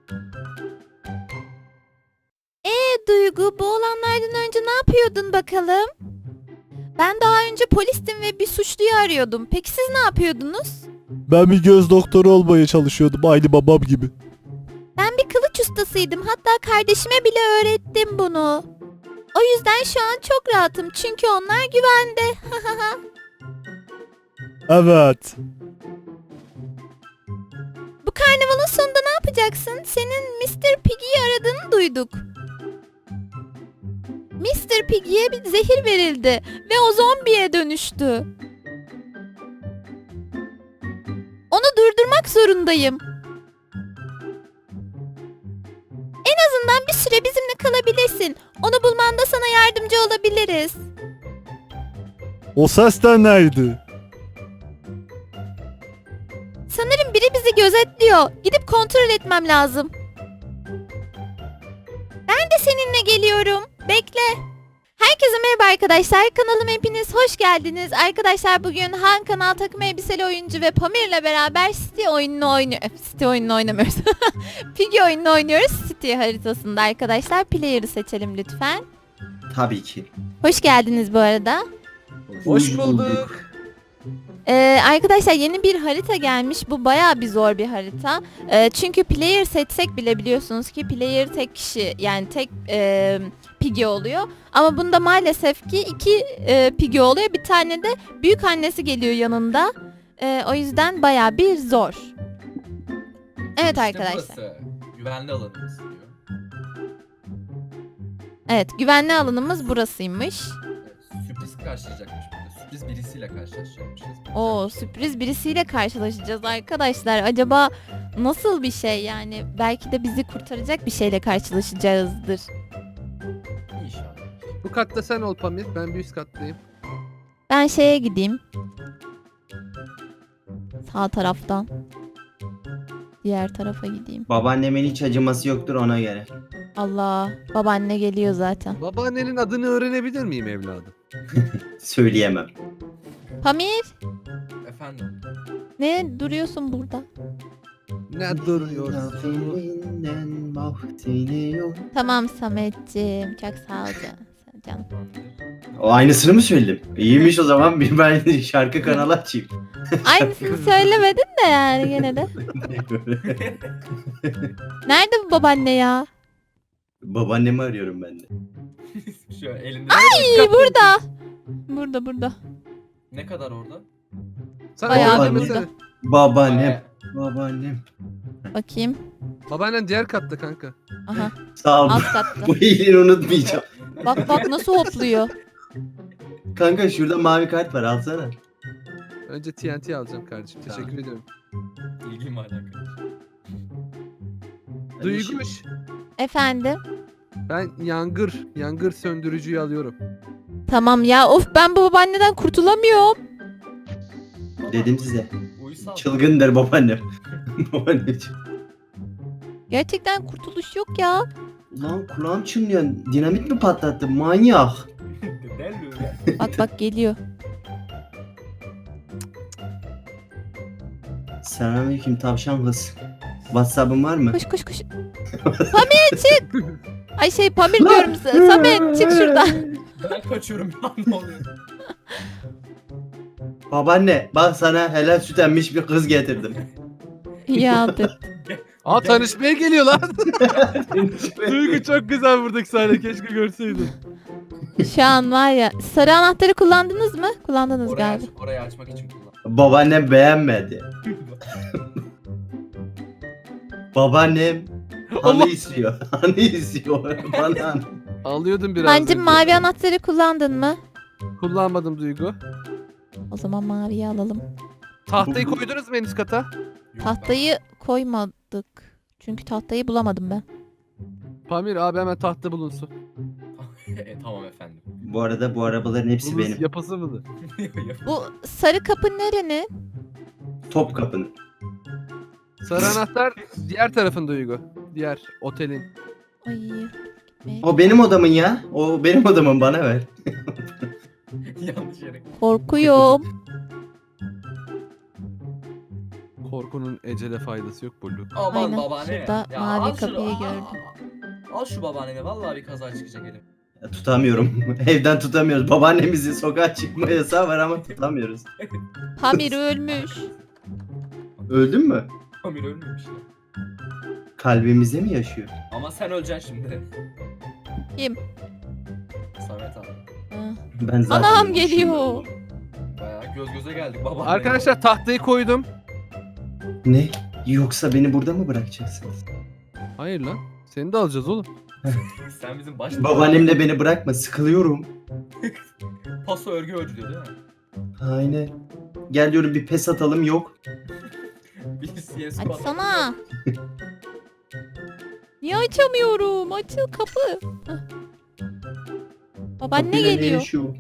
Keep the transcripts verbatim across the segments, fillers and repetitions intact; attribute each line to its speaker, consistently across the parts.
Speaker 1: Ee Duygu, bu olanlardan önce ne yapıyordun bakalım? Ben daha önce polistim ve bir suçluyu arıyordum. Peki siz ne yapıyordunuz?
Speaker 2: Ben bir göz doktoru olmaya çalışıyordum aynı babam gibi.
Speaker 1: Ben bir kılıç ustasıydım. Hatta kardeşime bile öğrettim bunu. O yüzden şu an çok rahatım. Çünkü onlar güvende.
Speaker 2: Evet.
Speaker 1: Bu karnavalın sonunda ne yapacaksın? Senin mister Piggy'yi aradığını duyduk. mister Piggy'ye bir zehir verildi ve o zombiye dönüştü. Onu durdurmak zorundayım. En azından bir süre bizimle kalabilirsin. Onu bulmanda sana yardımcı olabiliriz.
Speaker 2: O ses de neydi?
Speaker 1: Sanırım biri bizi gözetliyor. Gidip kontrol etmem lazım. Ben de seninle geliyorum. Bekle. Herkese merhaba arkadaşlar. Kanalıma hepiniz hoş geldiniz. Arkadaşlar bugün Han Kanal takım elbiseli oyuncu ve Pamir'le beraber City oyununu oynuyoruz. City oyununu oynamıyoruz. Piggy oyununu oynuyoruz. City haritasında arkadaşlar. Player'ı seçelim lütfen.
Speaker 3: Tabii ki.
Speaker 1: Hoş geldiniz bu arada.
Speaker 4: Hoş bulduk.
Speaker 1: Ee, arkadaşlar yeni bir harita gelmiş. Bu bayağı bir zor bir harita. Ee, çünkü player seçsek bile biliyorsunuz ki player tek kişi, yani tek e, Piggy oluyor. Ama bunda maalesef ki iki e, Piggy oluyor. Bir tane de büyük annesi geliyor yanında. Ee, o yüzden bayağı bir zor. Evet
Speaker 4: İşte
Speaker 1: arkadaşlar.
Speaker 4: burası. Güvenli alanımız diyor.
Speaker 1: Evet, güvenli alanımız burasıymış.
Speaker 4: Evet, sürpriz karşılayacakmış burada. Sürpriz birisiyle karşılaşacakmışız.
Speaker 1: Oo, sürpriz birisiyle karşılaşacağız arkadaşlar. Acaba nasıl bir şey, yani belki de bizi kurtaracak bir şeyle karşılaşacağızdır.
Speaker 4: İnşallah.
Speaker 5: Bu katta sen ol Pamir. Ben bir üst kattayım.
Speaker 1: Ben şeye gideyim. Sağ taraftan. Diğer tarafa gideyim.
Speaker 3: Babaannemin hiç acıması yoktur ona göre.
Speaker 1: Allah, babaanne geliyor zaten.
Speaker 5: Babaannenin adını öğrenebilir miyim evladım?
Speaker 3: Söyleyemem.
Speaker 1: Pamir,
Speaker 4: Efendim.
Speaker 1: ne duruyorsun burada?
Speaker 5: Ne duruyorsun?
Speaker 3: Lafından vaktini yok.
Speaker 1: Tamam Sametciğim, çok sağ ol can- canım.
Speaker 3: O aynısını mı söyledim? İyiymiş o zaman bir ben şarkı kanalı açayım.
Speaker 1: Aynısını söylemedin de yani gene de. Nerede bu babaanne ya?
Speaker 3: Babaannemi arıyorum ben de.
Speaker 4: Şu elinde
Speaker 1: İyi, burada. Burada burada.
Speaker 4: ne kadar orada?
Speaker 5: Sen
Speaker 1: Bayağı
Speaker 5: orada
Speaker 3: bir
Speaker 5: mısın?
Speaker 1: burada.
Speaker 3: Babaannem. Babaannem.
Speaker 1: Bakayım.
Speaker 5: Babaannen diğer katta kanka.
Speaker 1: Aha,
Speaker 3: Sağ ol.
Speaker 1: alt katta.
Speaker 3: Bu iyiliğini unutmayacağım.
Speaker 1: Bak bak nasıl hopluyor.
Speaker 3: Kanka şurada mavi kart var alsana.
Speaker 5: Önce T N T alacağım kardeşim.
Speaker 3: Tamam.
Speaker 5: Teşekkür ediyorum.
Speaker 4: İlgim var alakalı.
Speaker 3: Hadi
Speaker 5: Duyguş.
Speaker 1: Efendim?
Speaker 5: Ben yangır, yangır söndürücüyü alıyorum.
Speaker 1: Tamam ya, of, ben bu babaanneden kurtulamıyorum.
Speaker 3: Dedim size.
Speaker 4: Uysal.
Speaker 3: Çılgındır babaannem. Babaannem.
Speaker 1: Gerçekten kurtuluş yok ya.
Speaker 3: Ulan kulağım çınlıyor. Dinamit mi patlattı? Manyak.
Speaker 4: Deli.
Speaker 1: Bak bak geliyor.
Speaker 3: Selamünaleyküm tavşan kız. WhatsApp'ın var mı?
Speaker 1: Koş koş koş. Pamir çık. Ay şey Pamir diyorum. Sa- Samet çık şuradan.
Speaker 4: Ben kaçıyorum ya, ne oluyor?
Speaker 3: Babaanne bak sana helal süt emmiş bir kız getirdim.
Speaker 1: Ya dur.
Speaker 5: Aa tanışmaya geliyor lan. Duygu çok güzel buradaki sahne. Keşke görseydin.
Speaker 1: Şu an var ya, sarı anahtarı kullandınız mı? Kullandınız
Speaker 4: Orayı, aç,
Speaker 1: galiba.
Speaker 4: orayı açmak için kullan.
Speaker 3: Babaannem beğenmedi. Babaannem
Speaker 5: Allah.
Speaker 3: hanı istiyor. Hanı istiyor. Bana hanı.
Speaker 5: Alıyordum biraz
Speaker 1: Hancım,
Speaker 5: önce.
Speaker 1: mavi anahtarı kullandın mı?
Speaker 5: Kullanmadım Duygu.
Speaker 1: O zaman maviyi alalım.
Speaker 5: Tahtayı koydunuz mu en üst kata?
Speaker 4: Yok,
Speaker 1: Tahtayı koymadık. Çünkü tahtayı bulamadım ben.
Speaker 5: Pamir abi hemen tahta bulunsun.
Speaker 4: ben- e, tamam efendim.
Speaker 3: Bu arada bu arabaların hepsi
Speaker 5: Bulunsun,
Speaker 3: benim.
Speaker 5: yapası mıdır?
Speaker 1: Bu sarı kapı nerenin?
Speaker 3: Top kapının.
Speaker 5: Sarı anahtar diğer tarafın Duygu. Diğer otelin.
Speaker 1: Ay. gitmeye-
Speaker 3: O benim odamın ya. O benim odamın bana ver.
Speaker 4: Yanlış yere.
Speaker 1: Korkuyorum.
Speaker 5: Korkunun ecele faydası yok Bulu.
Speaker 4: Aman
Speaker 1: Aynen,
Speaker 4: babaanne.
Speaker 1: şurada
Speaker 4: Ya
Speaker 1: mavi
Speaker 4: al şunu,
Speaker 1: kapıyı
Speaker 4: al-
Speaker 1: gördüm.
Speaker 4: Al şu babaanneni vallahi bir kaza çıkacak elim.
Speaker 3: Ya, tutamıyorum. Evden tutamıyoruz. Babaannemizin sokağa çıkma yasağı var ama tutamıyoruz.
Speaker 1: Pamir ölmüş.
Speaker 3: Öldün mü?
Speaker 4: Amir ölmemiş ya.
Speaker 3: Kalbimizde mi yaşıyor?
Speaker 4: Ama sen öleceksin şimdi.
Speaker 1: Kim?
Speaker 4: Samet abi.
Speaker 1: Ah.
Speaker 3: Ben zaten
Speaker 1: Anam
Speaker 3: ölmüşüm.
Speaker 1: geliyor.
Speaker 4: Bayağı göz göze geldik babaanne.
Speaker 5: Arkadaşlar tahtayı koydum.
Speaker 3: Ne? Yoksa beni burada mı bırakacaksınız?
Speaker 5: Hayır lan. Seni de alacağız oğlum.
Speaker 4: Sen bizim baş...
Speaker 3: Babaannemle beni bırakma. Sıkılıyorum.
Speaker 4: Paso örgü ördü diyor değil mi?
Speaker 3: Aynen. Gel diyorum bir pes atalım, yok.
Speaker 4: Bir C S G O
Speaker 1: Açsana. Niye açamıyorum? Açıl kapı. Hah. Babaanne
Speaker 3: Kapıyla ne
Speaker 1: geliyor.
Speaker 3: yaşıyor?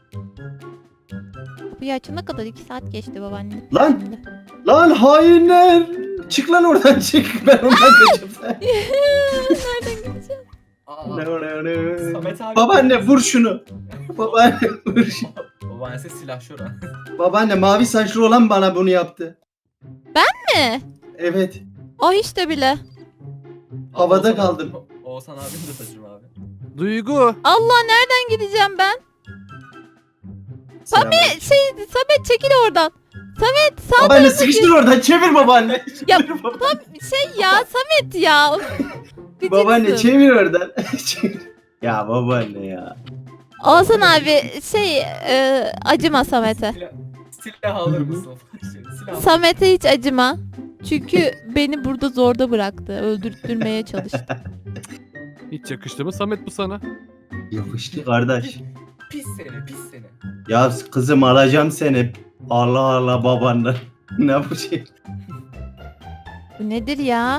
Speaker 1: Kapıyı açana kadar iki saat geçti babaanne.
Speaker 3: Lan! Lan hainler! Çık lan oradan çık. Ben ondan kaçıp.
Speaker 1: Nereden gideceğim?
Speaker 4: Aa,
Speaker 3: Ne, ne, ne.
Speaker 4: Samet abi.
Speaker 3: Babaanne vur şunu. Babaanne vur şunu.
Speaker 4: Babaannesi silahşör ha.
Speaker 3: Babaanne mavi saçlı olan bana bunu yaptı.
Speaker 1: Ne?
Speaker 3: Evet.
Speaker 1: O işte bile.
Speaker 3: Havada
Speaker 4: Oğuzhan-
Speaker 3: kaldım.
Speaker 4: Oğuzhan abim de saçım abi.
Speaker 5: Duygu.
Speaker 1: Allah nereden gideceğim ben?
Speaker 3: Selam.
Speaker 1: Şey Samet çekil oradan. Samet sağ
Speaker 3: Babaanne sıkıştır oradan, çevir babaanne.
Speaker 1: Ya,
Speaker 3: Çevir babaanne.
Speaker 1: şey ya Samet ya. Gıcıksın.
Speaker 3: Babaanne çevir oradan. Çevir. Ya babaanne ya.
Speaker 1: Oğuzhan abi şey e, acıma Samet'e.
Speaker 4: Silah, silah alır mısın? Silah.
Speaker 1: Samet'e hiç acıma. Çünkü beni burada zorda bıraktı. Öldürtmeye çalıştı.
Speaker 5: Hiç yakıştı mı Samet bu sana?
Speaker 3: Yapıştı kardeş.
Speaker 4: Pis seni, pis seni.
Speaker 3: Ya kızım alacağım seni. Allah Allah babaanne. Ne bu şey?
Speaker 1: Bu nedir ya?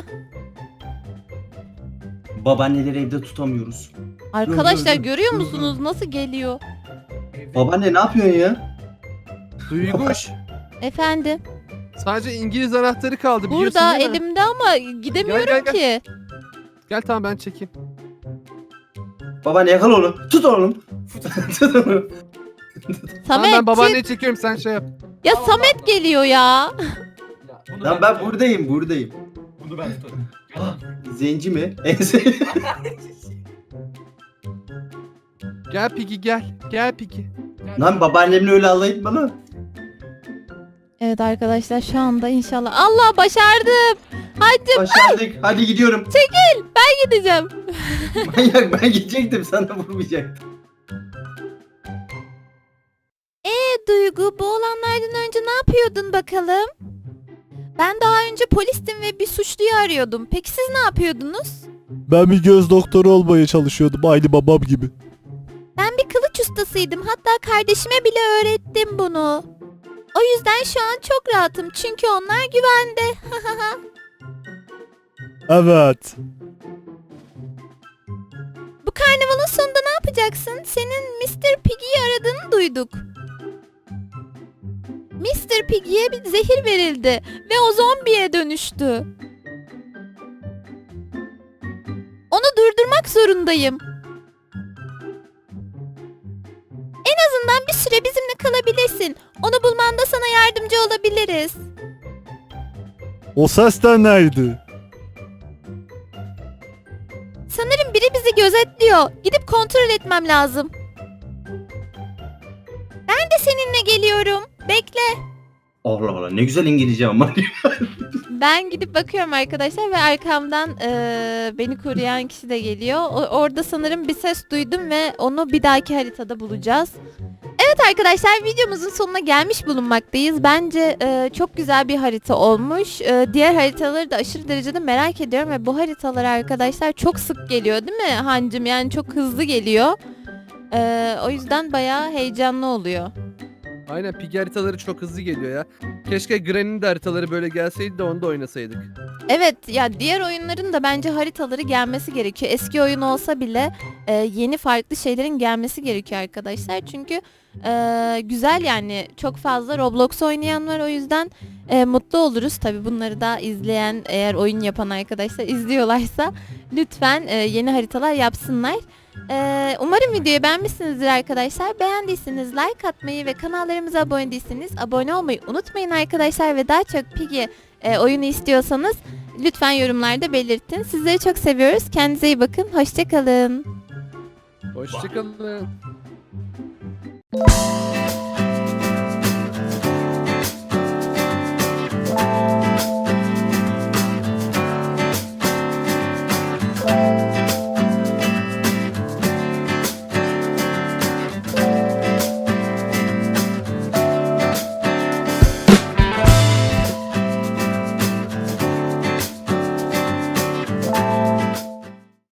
Speaker 3: Babaanneleri evde tutamıyoruz.
Speaker 1: Arkadaşlar
Speaker 3: Dur, dur, dur.
Speaker 1: görüyor
Speaker 3: Dur, dur.
Speaker 1: musunuz nasıl geliyor?
Speaker 3: Babaanne ne yapıyorsun ya?
Speaker 5: Duyguş.
Speaker 1: Efendim.
Speaker 5: Sadece İngiliz anahtarı kaldı biliyorsun
Speaker 1: Burada
Speaker 5: değil mi?
Speaker 1: elimde ama gidemiyorum
Speaker 5: Gel, gel,
Speaker 1: ki.
Speaker 5: Gel tamam ben çekeyim.
Speaker 3: Babaanne yakal onu. Tut oğlum. Tut onu.
Speaker 1: Samet
Speaker 5: Tamam ben
Speaker 1: çık.
Speaker 5: babaanneyi çekiyorum sen şey yap.
Speaker 1: Ya Samet geliyor ya.
Speaker 4: Ya, bunu
Speaker 3: Lan ben buradayım, buradayım.
Speaker 4: Bunu ben tutarım. Gel lan.
Speaker 3: Zenci mi? Ense-
Speaker 5: Gel Piki gel. Gel Piki.
Speaker 4: Gel.
Speaker 3: Lan babaannemle öyle alay etme lan.
Speaker 1: Evet arkadaşlar şu anda inşallah. Allah başardım. Hadi
Speaker 3: Başardık. Hadi gidiyorum.
Speaker 1: gideceğim.
Speaker 3: Manyak, ben gidecektim, sana vurmayacaktım.
Speaker 1: E Duygu bu olanlardan önce ne yapıyordun bakalım? Ben daha önce polistim ve bir suçluyu arıyordum. Peki siz ne yapıyordunuz?
Speaker 2: Ben bir göz doktoru olmaya çalışıyordum aynı babam gibi.
Speaker 1: Ben bir kılıç ustasıydım. Hatta kardeşime bile öğrettim bunu. O yüzden şu an çok rahatım. Çünkü onlar güvende.
Speaker 2: Evet.
Speaker 1: Bu karnavalın sonunda ne yapacaksın? Senin mister Piggy'yi aradığını duyduk. mister Piggy'ye bir zehir verildi ve o zombiye dönüştü. Onu durdurmak zorundayım. En azından bir süre bizimle kalabilirsin. Onu bulmanda sana yardımcı olabiliriz.
Speaker 2: O ses de neydi?
Speaker 1: Sanırım biri bizi gözetliyor. Gidip kontrol etmem lazım. Ben de seninle geliyorum. Bekle.
Speaker 3: Allah Allah, ne güzel İngilizce ama.
Speaker 1: Ben gidip bakıyorum arkadaşlar ve arkamdan eee, beni koruyan kişi de geliyor. O- orada sanırım bir ses duydum ve onu bir dahaki haritada bulacağız. Evet arkadaşlar videomuzun sonuna gelmiş bulunmaktayız. Bence eee, çok güzel bir harita olmuş. Eee, diğer haritaları da aşırı derecede merak ediyorum ve bu haritalar arkadaşlar çok sık geliyor değil mi Hancım? Yani çok hızlı geliyor. Eee, o yüzden bayağı heyecanlı oluyor.
Speaker 5: Aynen Piki haritaları çok hızlı geliyor ya. Keşke Granny'nin de haritaları böyle gelseydi de onu da oynasaydık.
Speaker 1: Evet ya diğer oyunların da bence haritaları gelmesi gerekiyor. Eski oyun olsa bile e, yeni farklı şeylerin gelmesi gerekiyor arkadaşlar. Çünkü e, güzel yani çok fazla Roblox oynayan var o yüzden e, mutlu oluruz. Tabi bunları da izleyen eğer oyun yapan arkadaşlar izliyorlarsa lütfen e, yeni haritalar yapsınlar. Ee, umarım videoyu beğenmişsinizdir arkadaşlar. Beğendiyseniz like atmayı ve kanallarımıza abone değilseniz abone olmayı unutmayın arkadaşlar. Ve daha çok Piggy e, oyunu istiyorsanız lütfen yorumlarda belirtin. Sizleri çok seviyoruz. Kendinize iyi bakın. Hoşçakalın.
Speaker 5: Hoşçakalın.